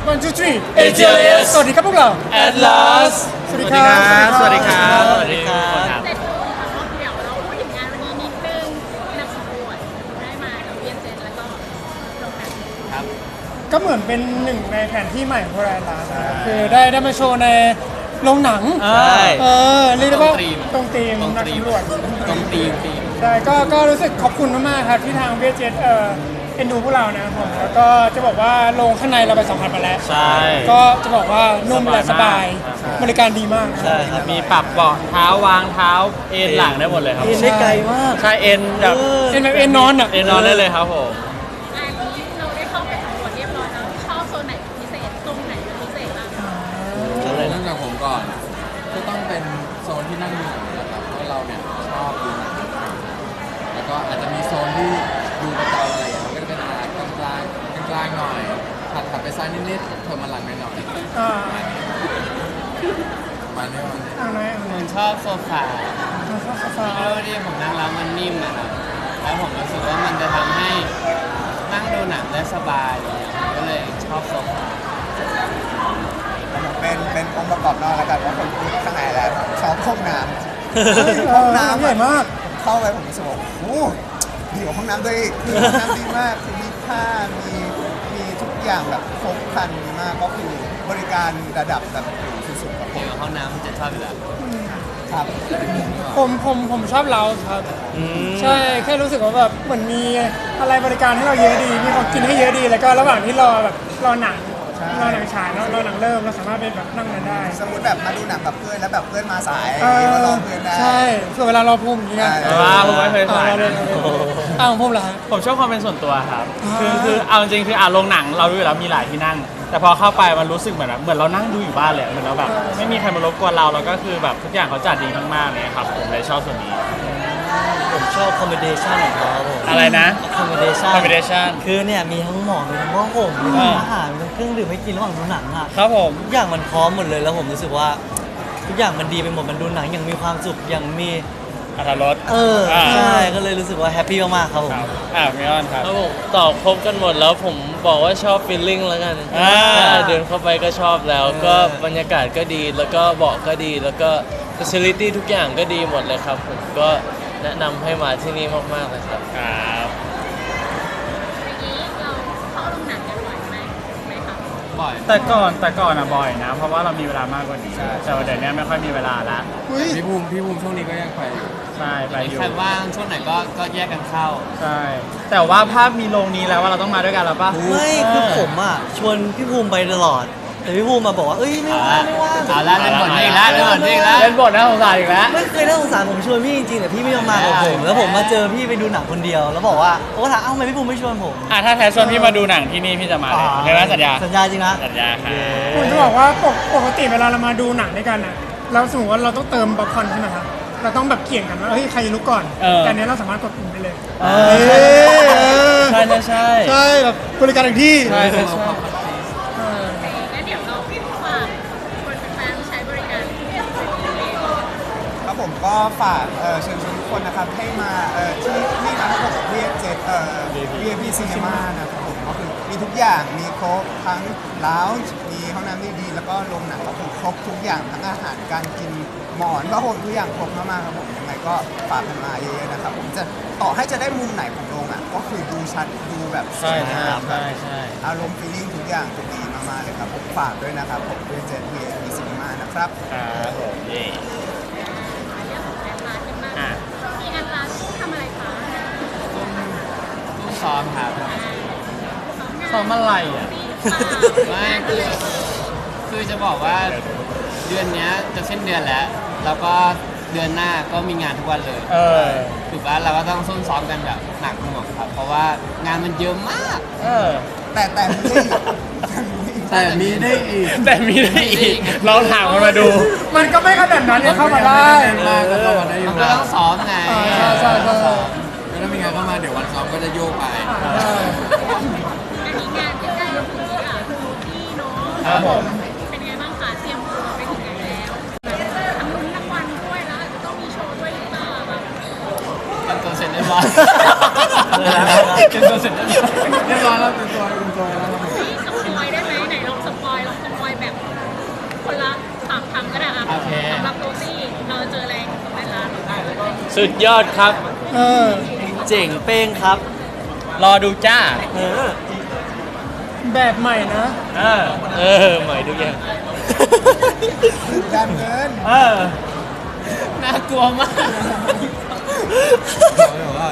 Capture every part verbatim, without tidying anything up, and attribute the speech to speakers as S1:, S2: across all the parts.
S1: one two three
S2: เอ จี แอล เอส
S1: สวัสดีครับพวกเรา
S2: Atlas
S1: สวัสดีครับ
S2: สวัสดีครับสวัสดีครับ
S3: เสร็จแล้วเดี๋ยวเราพูดถึงงานวันนี้นิดนึงนักสำรวจได้มากับเวียนเจนแล้วก็โรงแรม
S2: ครับ
S1: ก็เหมือนเป็นหนึ่งในแผนที่ใหม่ของพวกเราละนะครับคือได้ได้มาโชว์ในโรงหนัง
S2: ใช่
S1: เออเรียกได้ว่า
S2: ตรงธีม
S1: ตรงธีมนักสำรวจ
S2: ตรงตีมตีม
S1: ใช่ก็ก็รู้สึกขอบคุณมากๆครับที่ทางเวียเจ็ตเออเอ็นดูพวกเรานะครับผมแล้วก็จะบอกว่าโรงข้างในเราไปสัมผัสมาแล้ว
S2: ใช่
S1: ก็จะบอกว่านุ่มและสบาย
S2: ใช่
S1: บริการดีมากนะ
S2: ใช่ครับมีปรับเบาะเท้าวางเท้าเอ็นหลังได้หมดเลยครับ
S4: เอ็นได้ไกลมาก
S2: ใช่เอ็นแบบ
S1: เอ็นแบบเอ็นนอนอ่ะ
S2: เอ็นนอนได้เลยครับผม
S3: งานนี้เราได้เข้าไปสำรวจเรียบร้อยแล้วชอบโซนไหนเป็นพิเศษตรงไหนเป็นพิเศษบ้าง
S5: เริ่มจากผมก่อนก็ต้องเป็นโซนที่นั่งดูหนังนะครับเพราะเราเนี่ยชอบดูหนังแล้วก็อาจจะมีโซนที่ดูประจำอะไรอย่างเงี้ยมันก็จะเป็นอะไรกลางกลางกลางกลางๆหน่อยถัดถัดไปซ้ายนิดๆเพิ่มมาหลังหน่อย
S1: อ่า
S5: ๆประมาณนี้มัน
S1: อ่าไหนอ่า
S6: ผ
S1: ไหน
S6: มชอบโซฟา
S1: ชอบโซฟา
S6: เพราะว่าที่ผมนั่งแล้วมันนิ่มนะครับแล้วผมรู้สึกว่ามันจะทำให้นั่งดูหนังได้สบายเลยก็เลยชอบโซฟา
S4: เป็นเป็นองค์ประกอบนอกแล้วกันว่าคนพูดข้างในแล้วชอบห้องน้
S1: เออ
S4: ำห้องน้ำ
S1: ใหญ่มาก
S4: เข้าไปผมรู้สึกว่าโอ้โหดีกว่าห้องน้ำด้วยอีกคือห้องน้ำดีมากคือมีผ้ามีมีทุกอย่างแบบครบครันดีมากก็คือบริการระดับแบบสุดๆครับผ
S6: เกี่ย
S4: ม
S6: วกับห้องน้ำมันจะชอบอยู่แล้ว
S4: ครับ
S1: ผมผมผมชอบเราครับ ใช่แค่รู้สึกว่าแบบเหมือนมีอะไรบริการให้เราเยอะดี มีของกินให้เยอะดี แล้วก็ระหว่างที่รอแบบรอหนังรอหนังฉายเนอะรอหนังเริ่มเราสามารถไปแบบนั่งนั้นได้
S4: สมมติแบบมาดูหนังกับเพื่อนแล้วแบบเพื่อนมาสาย
S1: เอ
S4: ก็ร
S1: อ
S4: อเพื่อนได้
S1: ใช่เพื่อเวลารอภูมิอย่างเงี้ย
S4: ใช่
S2: ว้าวผมไม่เคย
S1: เอา
S2: ถ่าย
S1: เราเลย
S2: นะ
S1: เอาเลยอ้าวของผมเหรอฮะ
S2: ผมชอบความเป็นส่วนตัวครับ
S1: อ่า
S2: คือคือเอาจริงๆคืออ่ะโรงหนังเรารู้อยู่แล้วมีหลายที่นั่ง แต่พอเข้าไปมันรู้สึกเหมือนแบบเหมือนเรานั่งดูอยู่บ้านเลยเหมือนเราแบบไม่มีใครมารบกวนเราแล้วก็คือแบบทุกอย่างเขาจัดดีมากๆเนี่ยครับผมเลยชอบส่วนนี้
S7: ผมชอบคอมบิเนชันของเขาครับผม
S2: อะไรนะ
S7: คอมบิเนชัน
S2: combination
S7: คือเนี่ยมีทั้งหมอนมีทั้งหม้อห่มมีทั้งอาหารมีทั้งเครื่องดื่มให้กินระหว่างดูหนังอ่ะ
S2: ครับผม
S7: ทุกอย่างมันพร้อมหมดเลยแล้วผมรู้สึกว่า ทุกอย่างมันดีไปหมดมันดูหนังอย่างมีความสุขอย่างมี
S2: อัตรส
S7: เออ
S2: อ่า
S7: ใช่ก็เลยรู้สึกว่าแฮปปี้มากๆครับผม
S2: ครับอ่าเมลอนครับ
S8: ครับผมตอบครบกันหมดแล้วผมบอกว่าชอบฟีลลิ่งแล้วกัน
S2: อ่า
S8: ใช่เดินเข้าไปก็ชอบแล้ว ก็บรรยากาศก็ดีแล้วก็เบาะก็ดี แล้วก็ facility ทุกอย่างก็ดีหมดเลยครับ ผมก็แนะนำให้มาที่นี่มากๆเลยครับ
S2: ครับ
S3: อย่างนี้เราเข้าโรงหนังกันบ่อยไหมไหมครับ
S6: บ่อย
S2: แต่ก่อนแต่ก่อนอะบ่อยนะ เพราะว่าเรามีเวลามากกว่านี้แต่ว่าเดี๋ยวนี้ไม่ค่อยมีเวลาละ
S1: อุ้ย
S5: พี่ภูมิพี่ภูมิช่วงนี้ก็ยังไปอยู่
S2: ใช่ไปอยู่
S6: ใครว่างช่วงไหนก็ก็แยกกันเข้า
S2: ใช่แต่ว่าภาพมีโรงนี้แล้วว่าเราต้องมาด้วยกันแล้วปะ
S7: ไม่คือผมอ่ะชวนพี่ภูมิไปตลอด แต่พี่ภูมิมาบอกว่าเอ้ยไม่ว่างไม่ว่าง
S6: เอาละเล่นบทนี้อีกแล้วเล่นบทนี้อีกแล้ว
S2: เล่นบทน่าสงสารอีกแล้ว
S7: ไม่เคยน่าสงสารผมชวนพี่จริงๆแต่พี่ไม่ยอมมากับผม แล้วผมมาเจอพี่ไปดูหนังคนเดียว แล้วบอกว่าโอ้ถามเอ้าทำไมพี่ภูมิไม่ชวนผม
S2: อ่ะถ้าแท้ชวนพี่มาดูหนังที่นี่พี่จะมาเลยใช่ไหมสัญญา
S7: สัญญาจริงนะ
S2: สัญญาครับ
S1: ผมจะบอกว่าปกปกติเวลาเรามาดูหนังด้วยกันอ่ะเราสมมติว่าเราต้องเติมป๊อปคอร์นใช่ไหมครับเราต้องแบบเกี่ยงกันว่าเฮ้ยใครจะลุกก่อนแต่อันเนี้ยเราสามารถกดปุ่มได้เลย
S2: เอ
S1: เอ
S2: อ
S1: อ
S2: ใช่ใช่ใช่
S1: ใช่แบบบริการถึงที่
S2: ใช่ใช่ใช่
S1: เออ
S3: โอเคงั้นเดี๋ยวเราฝากคนแฟนๆใช้บริการเวียนเจนเลย
S4: ครับผมก็ฝากเอ่อเชิญชวนทุกคนนะครับให้มาเอ่อที่นี่นะครับผมเวียเจ็ดเอ่อ วี ไอ พี Cinema นะครับผมก็คือมีทุกอย่างมีครบทั้งลาวจ์มีห้องน้ำดีๆแล้วก็โรงหนังก็คือครบทุกอย่างทั้งอาหารการกินหมอนผ้าห่มทุกอย่างครบมากๆครับผมยังไงก็ฝากกันมาเยอะๆนะครับผมจะต่อให้จะได้มุมไหนของโรงอ่ะก็คือดูชัดดูแบบส
S2: ใช่
S4: วย
S2: ค
S4: งา
S2: รับ
S4: มแบ
S2: ใช่
S4: บ
S2: ใช่
S4: อารมณ์ฟีลลิ่งทุกอย่างจะดีมากๆเลยครับผมฝากด้วยนะครับผมเวียเจ็ด วี ไอ พี Cinema นะครับ
S2: ครับผมเย่
S3: เรื่องของแอดลาสกันบ้าง
S2: อ่ะ
S3: ช่วงนี้แอดลาสทำอะไรคะ
S6: ต้องซ้อมครับ
S2: ซ้อมอะไรอ่ะ
S6: ไม่คือคือจะบอกว่าเดือนเนี้ยจะสิ้นเดือนแล้ว แล้วก็เดือนหน้าก็มีงานทุกวันเลย
S2: เออ
S6: ถือว่าเราก็ต้องซุ่มซ้อมกันแบบหนักหน่วงครับ เพราะว่างานมันเยอะมาก
S2: เออ
S4: แต่แต่ไม่ใช่
S5: แต่มีได้อีก
S2: แต่มีได้อีกลองถามมันมาดู
S1: มันก็ไม่ขนาดนั้นยังเข้ามาได้
S5: เล่นมากก็เข้ามาได้อยู่
S6: มันก็ต้องซ้อมไง
S1: อ่าใช่ใช่ใช่
S5: แล้วถ้ามีงานเข้ามาเดี๋ยววันซ้อมก็จะโยกไป
S3: อันนี้งานใกล้ๆคืออ่ะโรตี้เนาะ
S2: ครับผม
S3: เป็นไงบ้างคะเตรียมตัวไปถึงไหนแล้วแบบทำลุ้นรางวัลด้วยแล้วอาจจะต้องมีโชว์ด้วยหรือเปล่าแบบ
S6: เป็นตัวเสร็จเรียบร้อย
S2: เป็นตัวเสร็จแล้ว
S5: เรียบร้อยแล้วเป็นตัวเป็นตัวแล้วครับผม
S3: นี่สปอยได้ไหมไหนลองสป
S6: โอเค
S3: สำหรับโรซี่เราเจอแรงตรงไหนล่ะ
S8: สุดยอดครับ
S1: เออ
S7: เจ๋งเป้งครับ
S2: รอดูจ้า
S7: เออ
S1: แบบใหม่นะ
S2: เออ
S8: เออใหม่ทุกอย่าง
S4: การเงิน
S2: เออ
S6: น่ากลัวมาก
S5: แบบว่า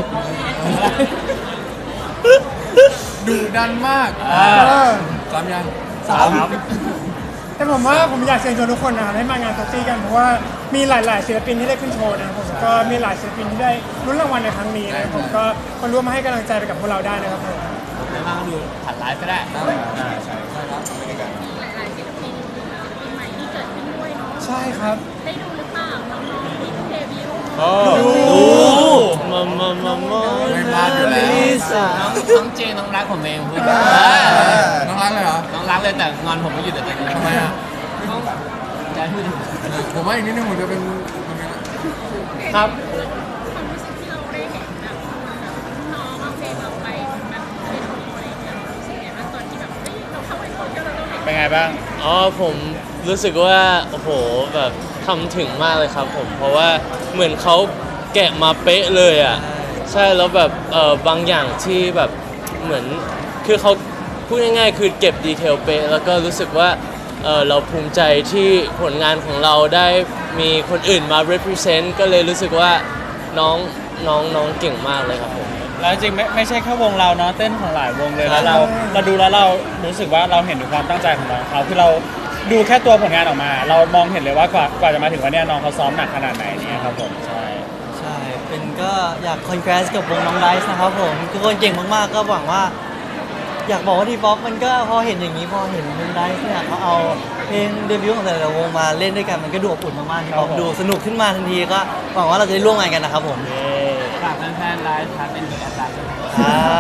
S5: ดุดันมาก
S1: เออ
S5: สามยัง
S2: สามครับ
S1: แต่ผมว่าผมอยากเชิญชวนทุกคนนะครับให้มางานโซซี่กันเพราะว่ามีหลาย ๆศิลปินที่ได้ขึ้นโชว์นะครับผมแล้วก็มีหลายศิลปินที่ได้ลุ้นรางวัลในครั้งนี้นะครับผมก็มาร่วมมาให้กำลังใจไปกับพวกเราได้นะครับผม
S6: ไม่มาดูผ่านไลฟ์ก็ได้
S5: ใช่ใช่ครับไปด้วยกัน
S3: มีหลายๆศิลปินศิลปินใหม่ที่เกิดขึ้นด้วยเนาะ
S1: ใช่ครับ
S3: ได้ดูหรือเปล่าน้องๆที่เพิ่งเดบิวต์
S2: โอ้
S8: มามามามา
S5: ไม่พลาดอยู่แล้ว
S7: ลิซ่า
S6: น้องน้องเจน้องรักผมเองพูด
S4: เออ
S5: น้องรักเลยเหรอ
S6: น้องรักเลยแต่งอนผมไม่หยุดแต่ตอนนี้
S5: ทำไมอ่ะ
S6: น้องจะพูดถึง
S5: ผมว่าอีกนิดนึงผมจะเป็นเป็นไงนะ
S2: ครับ
S3: ความรู้สึกที่เราได้เห็นแบบน้องเอาเพลงเราไปแบบไปโชว์อะไรอย่างเงี้ยเรารู้สึกยังไงบ้างตอนที่แบบเฮ้ยเราเข้าไปโชว์แล้วเราเห็น
S2: เป็นไงบ้าง
S8: อ๋อผมรู้สึกว่าโอ้โหแบบทำถึงมากเลยครับผมเพราะว่าเหมือนเขาแกะมาเป๊ะเลยอ่ะใช่แล้วแบบเออบางอย่างที่แบบเหมือนคือเขาพูดง่ายๆคือเก็บดีเทลเป๊ะแล้วก็รู้สึกว่าเออเราภูมิใจที่ผลงานของเราได้มีคนอื่นมา represent ก็เลยรู้สึกว่าน้องน้องน้องเก่งมากเลยครับผม
S2: แล้วจริงไม่ไม่ใช่แค่วงเราเนาะเต้นของหลายวงเลยแล้วเราเราดูแล้วเรารู้สึกว่าเราเห็นถึงความตั้งใจของน้องเขาคือเราดูแค่ตัวผลงานออกมา เรามองเห็นเลยว่ากว่ากว่าจะมาถึงวันเนี้ยน้องเขาซ้อมหนักขนาดไหนเนี่ยครับผมใช่
S7: ใช่เป็นก็อยากคอนแกรสกับวงน้องไดซ์นะครับผมทุกคนเก่งมากๆก็หวังว่า อยากบอกว่าทีป๊อปมันก็พอเห็นอย่างนี้พอเห็นวงไดซ์เนี่ยเขาเอาเพลงเดบิวต์ของแต่ละวงมาเล่นด้วยกันมันก็ดูอบอุ่นมากๆทีป๊อปดูสนุกขึ้นมาทันทีก็หวังว่าเราจะได้ร่วมงานกันนะครับผม
S6: ฝากแฟนๆไลฟ์ทันเป็นเบอร์แอดไลน์
S7: ครับ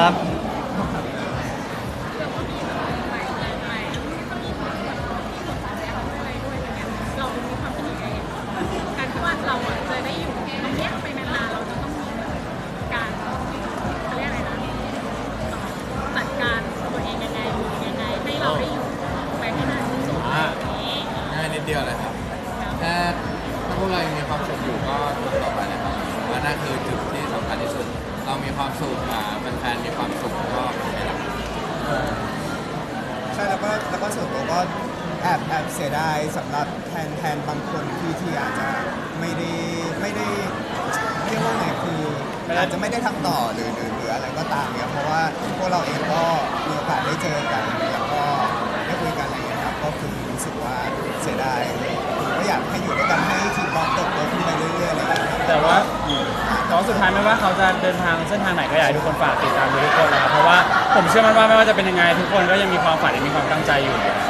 S3: เรามีความคิดยังไงการที่ว่าเราอ่ะจะได้อยู่ตรงเนี้ยไปนานๆเราจะต้องมีการเขาเรียกอะไรนะจัดการตัวเองยังไงอยู่ยังไงให้เราได้อยู่ไปให้นานที่สุดอย่างนี้
S5: ง่ายนิดเดียวเลยครับแค่ถ้าพวกเรายังมีความสุขอยู่ก็ทำต่อไปเลยครับว่านั่นคือจุดที่สำคัญที่สุด เรามีความสุขอ่าแฟนๆมีความสุขก็ไม่รับ
S4: ใช่แล้วก็แล้วก็ส่วนตัวก็แอบแอบเสียดายสำหรับแทนแทนบางคนที่ที่อาจจะไม่ได้ไม่ได้เรียกว่าไงคืออาจจะไม่ได้ทำต่อหรือหรือหรืออะไรก็ตามเนี่ยเพราะว่าพวกเราเองก็มีโอกาสได้เจอกันแล้วก็ได้คุยกันอะไรอย่างเงี้ยครับก็คือรู้สึกว่าเสียดายก็อยากให้อยู่ด้วยกันให้ทีมบอลเติบโตขึ้นไปเรื่อยๆอะไรอย่างเงี้ยครับ
S2: แต่ว่าแต่ว่าสุดท้ายไม่ว่าเขาจะเดินทางเส้นทางไหนก็อยากให้ทุกคนฝากติดตามดูทุกคนนะครับเพราะว่าผมเชื่อมั่นว่าไม่ว่าจะเป็นยังไงทุกคนก็ยังมีความฝันยังมีความตั้งใจอยู่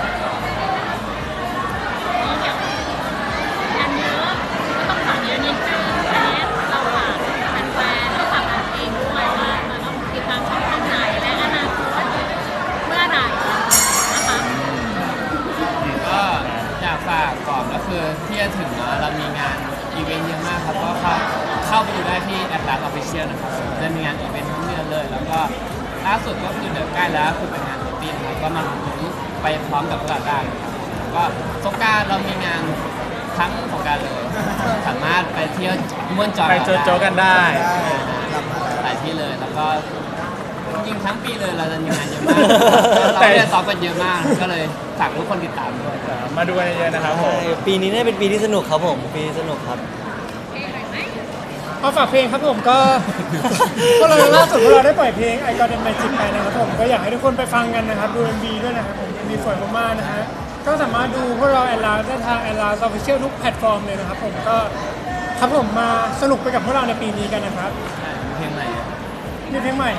S3: งานเยอะก็ต้องฝากเยอะนิดนึงอันนี้เราฝากแฟนๆแล้วฝากกันเองด้วยว่าเราต้องติดตามช่องทางไหนและอนาคตเมื่อไหร่นะคะ
S6: ก็อยากฝากก่อนก็คือที่จะถึงเนาะเรามีงานอีเวนต์เยอะมากครับก็เข้าเข้าไปดูได้ที่แอดไลน์ออฟฟิเชียลนะครับจะมีงานอีเวนต์ทั้งเดือนเลย แล้วก็ล่าสุดก็คือเดือนใกล้แล้วคือเป็นงานปีนะครับก็มาลุ้นไปพร้อมกับพวกเราได้นะครับแล้วก็สงกรานต์เรามีงานทั้งสงกรานต์เลย สามารถไปเที่ยวม่วนจอย
S2: ไปโจโจกันได้
S4: ได้กลับมาแล้ว
S6: หลายที่เลยแล้วก็จริงๆทั้งปีเลยเราจะมีงานเยอะมากเราไม่ได้ซ้อมกันเยอะมากก็เลยฝากทุกคนติดตามด้วย
S2: มาดูกันเยอะๆนะครับผม
S7: ใช่ปีนี้น่าจะเป็นปีที่สนุกครับผมปีสนุกครับ
S3: เพลงหน่อยไหม
S1: เอาฝากเพลงครับผมก็ พวกเราล่าสุดพวกเราได้ปล่อยเพลง I Got It Magic ไปนะครับผมก็อยากให้ทุกคนไปฟังกันนะครับดู เอ็ม วี ด้วยนะครับผม เอ็ม วี สวยมากๆนะฮะก็สามารถดูพวกเราแอนลาได้ทางแอนลาออฟฟิเชียลทุกแพลตฟอร์มเลยนะครับผมก็ครับผมมาสนุกไปกับพวกเราในปีนี้กันนะครับ
S6: เพลงอะไรอ่ะ
S1: มีเพลงใหม่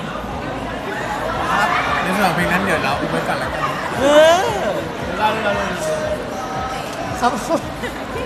S5: ในส่วนของเพลงนั้นเดี๋ยวเราอุบไว้ก่อนแล้วกัน
S6: เราเราเรา
S1: ครับ